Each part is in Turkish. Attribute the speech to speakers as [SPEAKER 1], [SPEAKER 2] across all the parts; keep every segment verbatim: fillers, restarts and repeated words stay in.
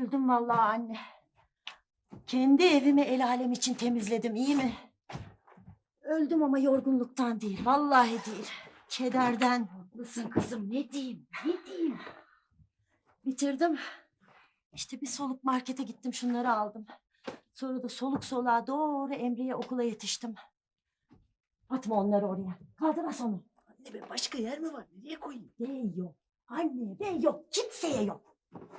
[SPEAKER 1] Öldüm vallahi anne. Kendi evimi el alem için temizledim, iyi mi? Öldüm ama yorgunluktan değil, vallahi değil. Kederden.
[SPEAKER 2] Haklısın kızım, ne diyeyim, ne diyeyim?
[SPEAKER 1] Bitirdim. İşte bir soluk markete gittim, şunları aldım. Sonra da soluk soluğa doğru Emre'ye okula yetiştim. Atma onları oraya. Kaldıras onu.
[SPEAKER 2] Anne be, başka yer mi var? Nereye koyayım?
[SPEAKER 1] Bey yok. Anne bey yok. Kimseye yok.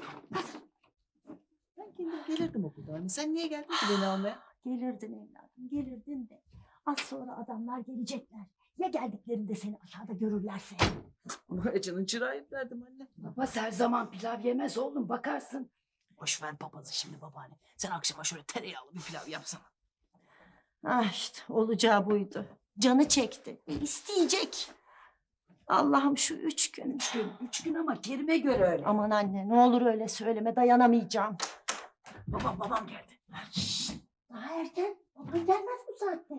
[SPEAKER 2] Ben kendim gelirdim okulda anne. Sen niye geldin ki beni almaya?
[SPEAKER 1] Gelirdin evladım, gelirdin de. Az sonra adamlar gelecekler. Ya geldiklerinde seni aşağıda görürlerse?
[SPEAKER 2] Onu acının çırağıyım derdim anne.
[SPEAKER 3] Babası her zaman pilav yemez oğlum, bakarsın.
[SPEAKER 2] Boş ver papazı şimdi babaanne. Sen akşama şöyle tereyağlı bir pilav yapsana.
[SPEAKER 1] Ah işte olacağı buydu. Canı çekti. E, isteyecek. Allah'ım şu üç gün.
[SPEAKER 3] Üç gün, üç gün ama Kerim'e göre öyle.
[SPEAKER 1] Aman anne ne olur öyle söyleme, dayanamayacağım.
[SPEAKER 2] Babam babam geldi.
[SPEAKER 1] Şşt, daha erken. Baban gelmez bu saatte.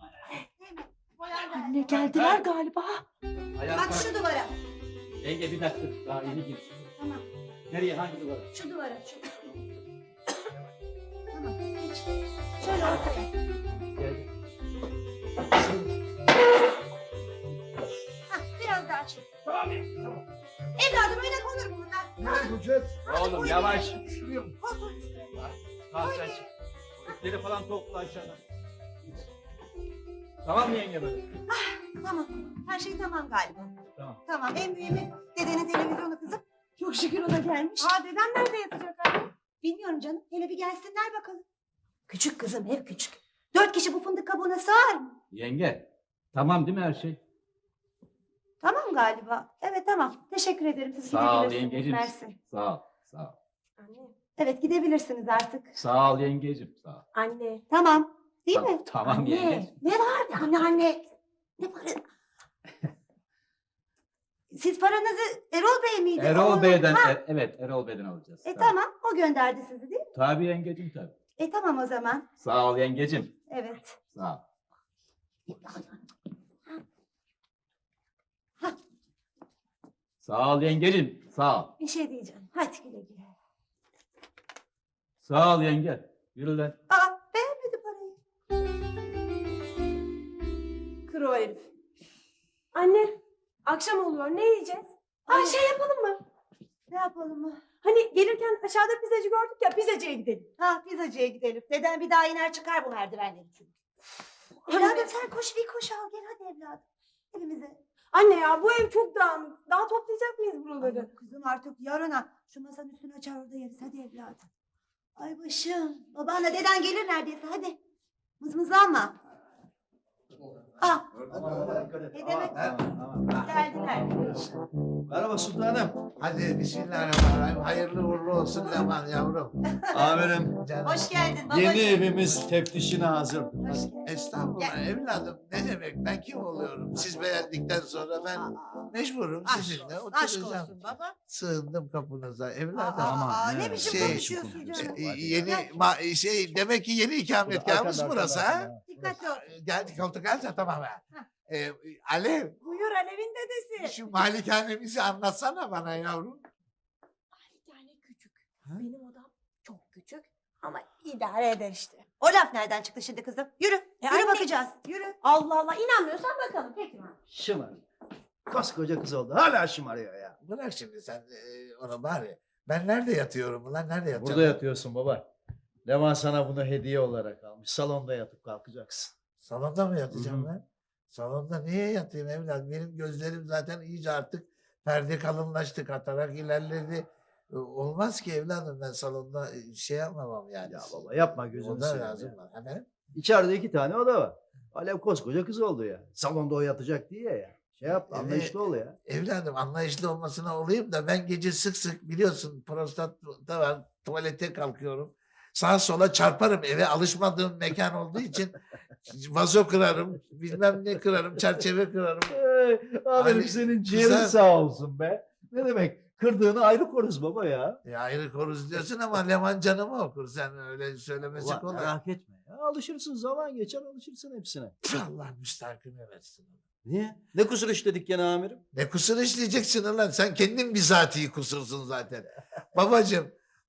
[SPEAKER 1] Anne geldiler galiba.
[SPEAKER 4] Bak şu duvara.
[SPEAKER 5] Yenge bir dakika daha yeni girsin.
[SPEAKER 4] Tamam.
[SPEAKER 5] Nereye, hangi duvara?
[SPEAKER 4] Şu duvara. Şu. Tamam. Geç. Şöyle ortaya.
[SPEAKER 5] Geldi.
[SPEAKER 4] Hah, biraz daha çek.
[SPEAKER 5] Tamam ya. Tamam.
[SPEAKER 4] Evladım öyle konur mu bunlar?
[SPEAKER 6] Ne yapacağız?
[SPEAKER 5] Oğlum yavaş.
[SPEAKER 6] Şuraya.
[SPEAKER 4] Koltuğun üstüne.
[SPEAKER 5] Kalk sen çık. İpleri falan topla aşağıdan. Tamam mı yenge böyle?
[SPEAKER 4] Tamam. Her şey tamam galiba.
[SPEAKER 5] Tamam.
[SPEAKER 4] Tamam. En mühimi dedenin televizyonu kızım.
[SPEAKER 1] Çok şükür o da gelmiş.
[SPEAKER 4] Aa dedem nerede yatacak anne? Bilmiyorum canım. Hele bir gelsinler bakalım. Küçük kızım, ev küçük. Dört kişi bu fındık kabuğuna sığar mı?
[SPEAKER 5] Yenge. Tamam değil mi her şey?
[SPEAKER 4] Tamam galiba. Evet tamam. Teşekkür ederim. Siz
[SPEAKER 5] Sağ ol
[SPEAKER 4] gidebilirsiniz.
[SPEAKER 5] yengeciğim.
[SPEAKER 4] Mersi.
[SPEAKER 5] Sağ ol. Sağ ol.
[SPEAKER 4] Anne. Evet gidebilirsiniz artık.
[SPEAKER 5] Sağ ol yengeciğim. Sağ ol.
[SPEAKER 4] Anne. Tamam. Değil
[SPEAKER 5] Tamam,
[SPEAKER 4] mi?
[SPEAKER 5] tamam
[SPEAKER 4] anne.
[SPEAKER 5] yenge.
[SPEAKER 4] Ne var? Anne anne. Ne para? Siz paranızı Erol Bey miydi?
[SPEAKER 5] Erol
[SPEAKER 4] Onun-
[SPEAKER 5] Bey'den,
[SPEAKER 4] Ha,
[SPEAKER 5] er- evet Erol Bey'den alacağız.
[SPEAKER 4] E tamam. O gönderdi sizi değil mi?
[SPEAKER 5] Tabii yengeciğim tabii.
[SPEAKER 4] E tamam o zaman.
[SPEAKER 5] Sağ ol yengeciğim.
[SPEAKER 4] Evet.
[SPEAKER 5] Sağ ol. Sağ ol yengeciğim. Sağ ol.
[SPEAKER 4] Bir şey diyeceğim. Hadi güle güle.
[SPEAKER 5] Sağ ol yenge. Yürü lan.
[SPEAKER 4] Aa beğenmedi parayı.
[SPEAKER 7] Kır o herif. Anne, akşam oluyor. Ne yiyeceğiz? Ay şey yapalım mı?
[SPEAKER 4] Ne yapalım mı?
[SPEAKER 7] Hani gelirken aşağıda pizzacı gördük ya, pizzacıya gidelim.
[SPEAKER 4] Ha pizzacıya gidelim. Deden bir daha iner çıkar bu merdivenleri çünkü.
[SPEAKER 7] Anne.
[SPEAKER 4] Evladım sen koş bir koş al gel hadi evladım. Evimize.
[SPEAKER 7] Anne ya bu ev çok dağınık. Daha toplayacak mıyız buraları?
[SPEAKER 4] Ay, kızım artık yarına şu masanın üstüne açar orada yeriz hadi evladım. Ay başım. Babanla deden gelir neredeyse hadi. Mızmızlanma. Ah ne demek geldiler.
[SPEAKER 6] Merhaba sultanım. Hadi bismillahirrahmanirrahim. Hayırlı uğurlu olsun Leman yavrum.
[SPEAKER 8] Amirim,
[SPEAKER 6] Canım.
[SPEAKER 4] Hoş geldin babacığım.
[SPEAKER 8] yeni evimiz teftişine hazır.
[SPEAKER 4] Hoş geldin.
[SPEAKER 6] Estağfurullah evladım. Ne demek ben kim oluyorum? Siz beğendikten sonra ben
[SPEAKER 4] Aa,
[SPEAKER 6] mecburum
[SPEAKER 4] aşk
[SPEAKER 6] sizinle
[SPEAKER 4] olsun, aşk
[SPEAKER 6] oturacağım.
[SPEAKER 4] olsun baba.
[SPEAKER 6] Sığındım kapınıza
[SPEAKER 4] Aa,
[SPEAKER 6] evladım.
[SPEAKER 4] aa, ne
[SPEAKER 8] evet.
[SPEAKER 4] biçim
[SPEAKER 6] Şey,
[SPEAKER 4] konuşuyorsun
[SPEAKER 6] E,
[SPEAKER 4] canım?
[SPEAKER 6] yeni ma- şey demek ki yeni ikametgahımız
[SPEAKER 8] Arkada,
[SPEAKER 6] burası
[SPEAKER 8] arkada,
[SPEAKER 6] ha?
[SPEAKER 8] arkada.
[SPEAKER 4] Dikkatli ol.
[SPEAKER 6] Geldik koltuk alsa tamam ha. Ee, Alev
[SPEAKER 7] Buyur Alev'in dedesi.
[SPEAKER 6] şu malikanemizi anlatsana bana yavrum.
[SPEAKER 4] Yani küçük. Benim odam çok küçük ama idare eder işte. O laf nereden çıktı şimdi kızım? Yürü. yürü
[SPEAKER 7] anne-
[SPEAKER 4] bakacağız. Yürü.
[SPEAKER 7] Allah Allah, inanmıyorsan bakalım.
[SPEAKER 4] Peki mi?
[SPEAKER 8] Şımar. Koskoca kız oldu. Hala şımarıyor ya.
[SPEAKER 6] Bırak şimdi sen e, onu bari. Ben nerede yatıyorum ulan? Nerede yatacağım?
[SPEAKER 8] Burada yatıyorsun baba. Levan sana bunu hediye olarak almış. Salonda yatıp kalkacaksın.
[SPEAKER 6] Salonda mı yatacağım
[SPEAKER 8] Hı hı.
[SPEAKER 6] ben? Salonda niye yatayım evlat? Benim gözlerim zaten iyice artık perde kalınlaştı, katarak ilerledi. E, Olmaz ki evladım ben salonda e, şey yapmamam yani.
[SPEAKER 8] Ya baba yapma gözünü
[SPEAKER 6] Oda
[SPEAKER 8] seveyim
[SPEAKER 6] lazım
[SPEAKER 8] ya.
[SPEAKER 6] bana. Efendim?
[SPEAKER 8] İçeride iki tane oda var. Alev koskoca kız oldu ya. Salonda o yatacak diye ya. Şey yap
[SPEAKER 6] Evet.
[SPEAKER 8] anlayışlı ol ya.
[SPEAKER 6] Evladım anlayışlı olmasına olayım da ben gece sık sık biliyorsun prostat da var tuvalete kalkıyorum. Sağa sola çarparım eve alışmadığım mekan olduğu için vazo kırarım bilmem ne kırarım çerçeve kırarım.
[SPEAKER 8] Ee, aferin
[SPEAKER 6] Ali,
[SPEAKER 8] senin ciğerin
[SPEAKER 6] güzel.
[SPEAKER 8] sağ olsun be. Ne demek? Kırdığını ayrı koruz baba ya.
[SPEAKER 6] Ya ayrı koruz diyorsun ama Leman canımı okur sen öyle söylemesi
[SPEAKER 8] Ulan
[SPEAKER 6] kolay.
[SPEAKER 8] merak etme ya. Alışırsın zaman geçer alışırsın hepsine.
[SPEAKER 6] Allah müstahkım versin.
[SPEAKER 8] Niye? Ne kusur işledik gene amirim?
[SPEAKER 6] Ne kusur işleyeceksin lan sen kendin bizatihi kusursun zaten. Babacığım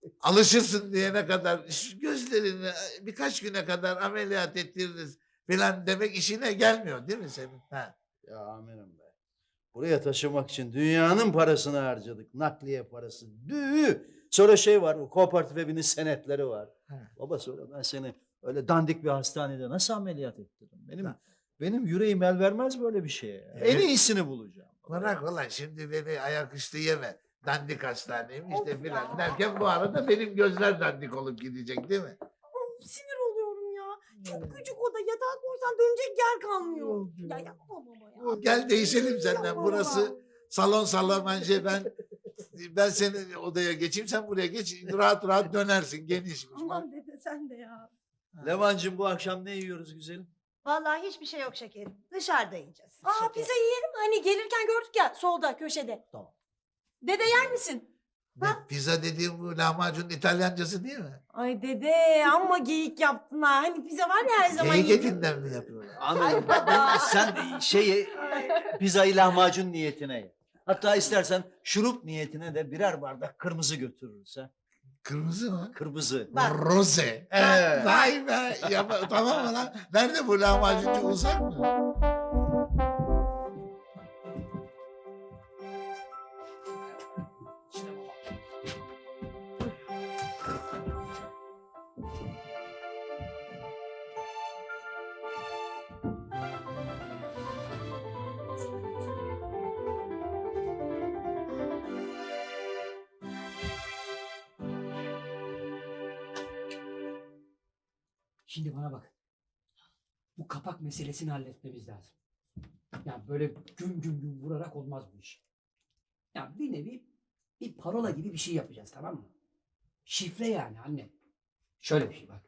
[SPEAKER 6] alışırsın diyene kadar şu gözlerini birkaç güne kadar ameliyat ettiririz falan demek işine gelmiyor değil mi senin? Ha.
[SPEAKER 8] Ya amirim be. Buraya taşımak için dünyanın parasını harcadık. Nakliye parası. Düğü. Sonra şey var, o kooperatif evinin senetleri var.
[SPEAKER 6] He.
[SPEAKER 8] Baba sonra ben seni öyle dandik bir hastanede nasıl ameliyat ettirdim? Benim
[SPEAKER 6] Ha.
[SPEAKER 8] benim yüreğim el vermez böyle bir şeye. ya.
[SPEAKER 6] Evet.
[SPEAKER 8] En iyisini bulacağım.
[SPEAKER 6] Bırak ulan şimdi beni ayaküstü yeme. Dandik hastaneyim işte filan derken bu arada benim gözler dandik olup gidecek değil mi?
[SPEAKER 7] Of, sinir oluyorum ya. Çok küçük oda. Yatağa koysan dönecek yer kalmıyor. Ya yapma baba ya.
[SPEAKER 6] Gel değişelim senden.
[SPEAKER 7] Yapma
[SPEAKER 6] Burası
[SPEAKER 7] baba.
[SPEAKER 6] salon salamence ben ben senin odaya geçeyim sen buraya geç rahat rahat dönersin genişmiş.
[SPEAKER 7] Aman dede sen de ya.
[SPEAKER 8] Levancığım bu akşam ne yiyoruz güzelim?
[SPEAKER 4] Vallahi hiçbir şey yok şekerim. Dışarıda yiyeceğiz.
[SPEAKER 7] Aa
[SPEAKER 4] Şeker.
[SPEAKER 7] pizza yiyelim mi? Hani gelirken gördük ya solda köşede.
[SPEAKER 8] Tamam.
[SPEAKER 7] Dede yer misin?
[SPEAKER 6] Ne, pizza dediğim bu lahmacunun İtalyancası değil mi?
[SPEAKER 7] Ay dede amma geyik yaptın ha. Hani pizza var ya her zaman
[SPEAKER 6] Geyik
[SPEAKER 7] yediğim.
[SPEAKER 6] etinden mi yapıyorlar?
[SPEAKER 8] Amirim ben- sen şeyi pizzayı lahmacun niyetine ye. Hatta istersen şurup niyetine de birer bardak kırmızı götürürüz ha.
[SPEAKER 6] Kırmızı mı?
[SPEAKER 8] Kırmızı.
[SPEAKER 6] Rose.
[SPEAKER 8] Evet.
[SPEAKER 6] Vay be. Yap- tamam mı lan? Nerede bu lahmacuncu uzak mı?
[SPEAKER 9] Şimdi bana bak. Bu kapak meselesini halletmemiz lazım. Yani böyle güm güm güm vurarak olmaz bu iş. Yani bir nevi bir parola gibi bir şey yapacağız, tamam mı? Şifre yani anne. Şöyle bir şey bak.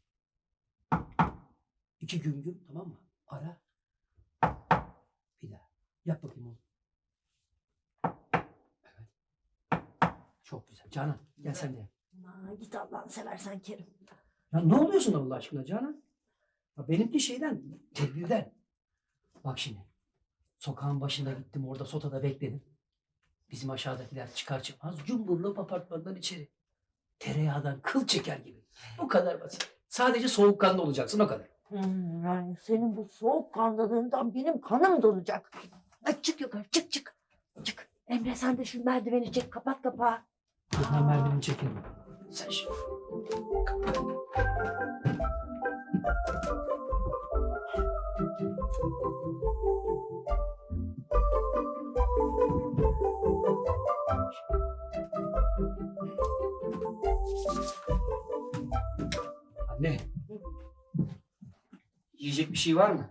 [SPEAKER 9] İki güm güm, tamam mı? Ara. Bir daha. Yap bakayım onu. Evet. Çok güzel. Canan gel sen de yap.
[SPEAKER 1] Aa, git Allah'ını seversen Kerim.
[SPEAKER 9] Ya ne oluyorsun Allah aşkına Canan? Ya benimki şeyden, tedbirden. Bak şimdi. Sokağın başında gittim, orada sotada bekledim. Bizim aşağıdakiler çıkar çıkmaz cumburlop apartmandan içeri. Tereyağdan kıl çeker gibi. Bu kadar basit. Sadece soğukkanlı olacaksın, o kadar.
[SPEAKER 1] Hmm, yani senin bu soğukkanlılığından benim kanım donacak. Ay, çık yukarı çık çık. Çık. Emre sen de şu merdiveni çek kapat kapağı.
[SPEAKER 9] Ben merdiveni çekerim. Sen şimdi. Anne. Yiyecek bir şey var mı?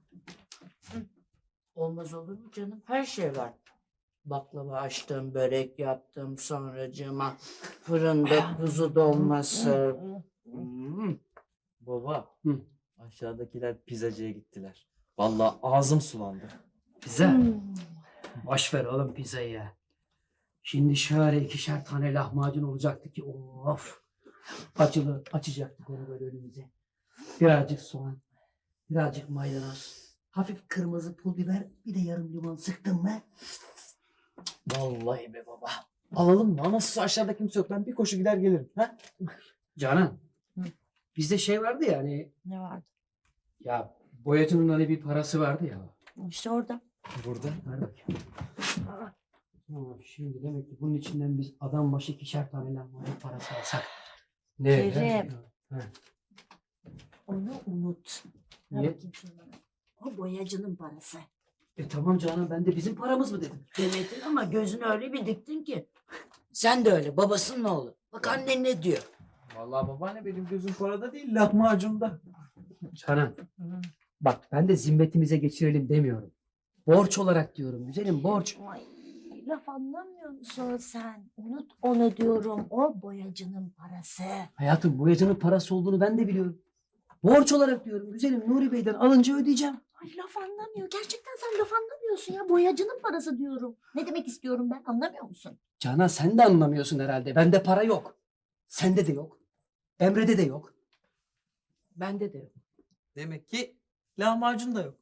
[SPEAKER 3] Olmaz olur mu canım? Her şey var. Baklava açtım, börek yaptım, sonracığıma fırında kuzu dolması. Hmm.
[SPEAKER 5] Baba.
[SPEAKER 9] Hı.
[SPEAKER 5] Aşağıdakiler pizzacıya gittiler. Vallahi ağzım sulandı.
[SPEAKER 9] Pizza. Boş ver oğlum pizzayı ya. Şimdi şöyle ikişer tane lahmacun olacaktı ki of. Acılı açacaktık onu böyle önümüze. Birazcık soğan, birazcık maydanoz, hafif kırmızı pul biber, bir de yarım limon sıktın mı?
[SPEAKER 5] Vallahi be baba. Alalım mı? Ama aşağıda kimse yok. Ben bir koşu gider gelirim. Ha?
[SPEAKER 9] Canan,
[SPEAKER 1] Hı.
[SPEAKER 9] bizde şey vardı ya hani,
[SPEAKER 1] Ne vardı?
[SPEAKER 9] ya boyacının hani bir parası vardı ya.
[SPEAKER 1] İşte orada.
[SPEAKER 5] Burada.
[SPEAKER 9] Ver bakayım. Tamam, şimdi demek ki bunun içinden biz adam başı ikişer tane lahmacun parası alsak. Ne?
[SPEAKER 1] Kerim.
[SPEAKER 9] Ha.
[SPEAKER 1] Onu unut. Ver
[SPEAKER 9] Niye?
[SPEAKER 1] bakayım şunu bana. O boyacının parası.
[SPEAKER 9] E tamam Canan, ben de bizim paramız mı dedim.
[SPEAKER 3] Demedin ama gözünü öyle bir diktin ki. Sen de öyle, babasının oğlu. Bak annen ne diyor.
[SPEAKER 5] Vallahi babaanne benim gözüm parada değil lahmacunda.
[SPEAKER 9] Canan, bak ben de zimmetimize geçirelim demiyorum. Borç olarak diyorum güzelim, borç.
[SPEAKER 1] Ay, laf anlamıyor musun sen? Unut onu diyorum. O boyacının parası.
[SPEAKER 9] Hayatım boyacının parası olduğunu ben de biliyorum. Borç olarak diyorum güzelim, Nuri Bey'den alınca ödeyeceğim.
[SPEAKER 1] Ay laf anlamıyor. Gerçekten sen laf anlamıyorsun ya. Boyacının parası diyorum. Ne demek istiyorum ben anlamıyor musun?
[SPEAKER 9] Canan sen de anlamıyorsun herhalde. Bende para yok. Sende de yok. Emre'de de yok.
[SPEAKER 3] Bende de yok.
[SPEAKER 5] Demek ki lahmacun da yok.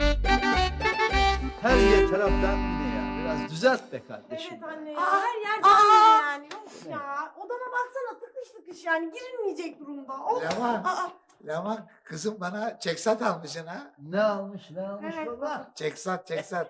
[SPEAKER 8] Her yer taraftan yine ya. Biraz düzelt be kardeşim.
[SPEAKER 7] Evet anne.
[SPEAKER 3] Aa,
[SPEAKER 7] her yer
[SPEAKER 3] aa.
[SPEAKER 7] dönüyor yani. Yok ya. Odana baksana iş yani girilmeyecek durumda. Of.
[SPEAKER 6] Leman,
[SPEAKER 4] Aa,
[SPEAKER 6] Leman kızım bana çeksat almışsın ha.
[SPEAKER 8] Ne almış ne almış
[SPEAKER 7] Evet.
[SPEAKER 8] baba?
[SPEAKER 6] Çeksat, çeksat.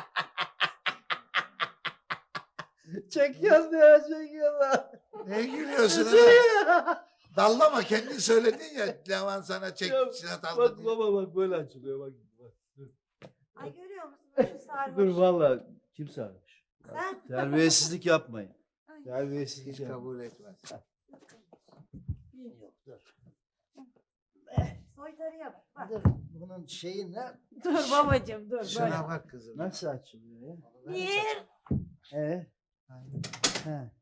[SPEAKER 8] Çekiyoruz ya çekiyorlar.
[SPEAKER 6] Ne gülüyorsun ha? Dallama kendin söyledin ya Leman sana çeksat aldı
[SPEAKER 8] Bak
[SPEAKER 6] diye.
[SPEAKER 8] baba bak böyle açılıyor bak. bak.
[SPEAKER 4] ay görüyor musun şu sarhoş?
[SPEAKER 8] Dur valla kim sarmış?
[SPEAKER 4] Sen?
[SPEAKER 8] Terbiyesizlik yapmayın.
[SPEAKER 4] Ay.
[SPEAKER 8] Terbiyesizlik
[SPEAKER 6] Hiç
[SPEAKER 8] yapmayın.
[SPEAKER 6] kabul etmez.
[SPEAKER 8] Yok dur.
[SPEAKER 4] Soytarıya bak. Bak.
[SPEAKER 8] Dur. Bunun şeyi ne?
[SPEAKER 7] Dur babacığım dur böyle.
[SPEAKER 6] Şuna bak kızım.
[SPEAKER 8] Nasıl açılıyor ya?
[SPEAKER 4] Bir.
[SPEAKER 8] Ee? He.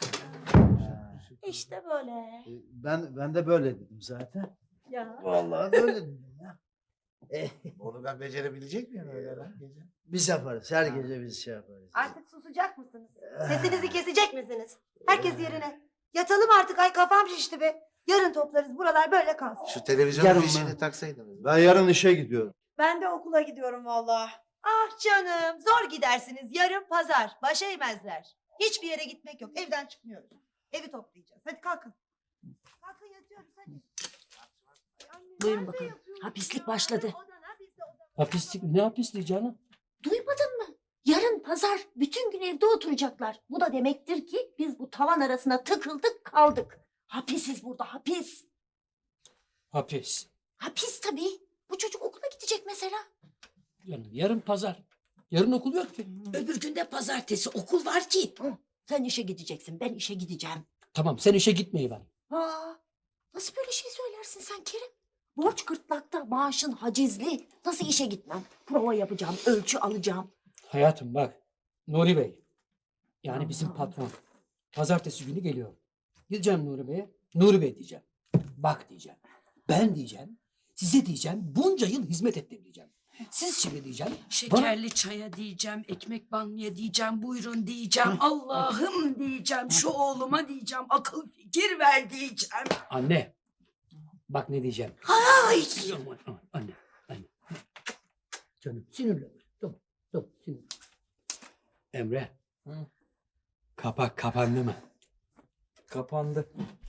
[SPEAKER 1] İşte böyle.
[SPEAKER 8] E, Ben ben de böyle dedim zaten.
[SPEAKER 7] Ya.
[SPEAKER 8] Vallahi böyle dedim ya. Eh,
[SPEAKER 6] Onu ben becerebilecek miyim öyle lan gece?
[SPEAKER 8] biz yaparız. Her gece biz şey yaparız.
[SPEAKER 4] Artık susacak mısınız? Sesinizi kesecek misiniz? Herkes yerine. Yatalım artık, ay kafam şişti be. Yarın toplarız, buralar böyle kalsın.
[SPEAKER 6] Şu televizyonun
[SPEAKER 8] Yarın
[SPEAKER 6] fişini
[SPEAKER 8] mı?
[SPEAKER 6] taksaydınız.
[SPEAKER 8] Ben yarın işe gidiyorum.
[SPEAKER 7] Ben de okula gidiyorum vallahi.
[SPEAKER 4] Ah canım, zor gidersiniz. Yarın pazar, başa eğmezler. Hiçbir yere gitmek yok, evden çıkmıyoruz. Evi toplayacağız. Hadi kalkın. Kalkın yatıyoruz hadi. Ay anne,
[SPEAKER 1] Buyurun
[SPEAKER 4] nerede
[SPEAKER 1] bakalım.
[SPEAKER 4] yatıyoruz
[SPEAKER 1] Hapislik
[SPEAKER 4] ya?
[SPEAKER 1] başladı.
[SPEAKER 4] Hadi odana, biz de odana.
[SPEAKER 9] Hapislik mi? Ne hapisliği canım?
[SPEAKER 1] Duymadın mı? Yarın pazar bütün gün evde oturacaklar. Bu da demektir ki biz bu tavan arasına tıkıldık kaldık. Hapisiz burada hapis.
[SPEAKER 9] Hapis.
[SPEAKER 1] Hapis tabii. Bu çocuk okula gidecek mesela.
[SPEAKER 9] Yarın, yarın pazar. Yarın okul yok ki.
[SPEAKER 1] Öbür günde pazartesi okul var ki. Sen işe gideceksin, ben işe gideceğim.
[SPEAKER 9] Tamam sen işe gitmeyi ver.
[SPEAKER 1] Aa, nasıl böyle şey söylersin sen Kerim? Borç gırtlakta, maaşın hacizli. Nasıl işe gitmem? Prova yapacağım, ölçü alacağım.
[SPEAKER 9] Hayatım bak. Nuri Bey. Yani bizim patron. Pazartesi günü geliyor. Gideceğim Nuri Bey'e. Nuri Bey diyeceğim. Bak diyeceğim. Ben diyeceğim. Size diyeceğim. Bunca yıl hizmet ettim diyeceğim. Siz şimdi diyeceğim.
[SPEAKER 2] Şekerli çaya diyeceğim, ekmek banmaya diyeceğim, buyurun diyeceğim, Allah'ım diyeceğim, şu oğluma diyeceğim, akıl fikir ver diyeceğim.
[SPEAKER 9] Anne. Bak ne diyeceğim.
[SPEAKER 1] Ay!
[SPEAKER 9] Aman, aman, anne. Anne. Canım sinirlenme. Tamam. Tamam sinirlenme. Emre. Kapak kapandı mı?
[SPEAKER 5] Kapandı.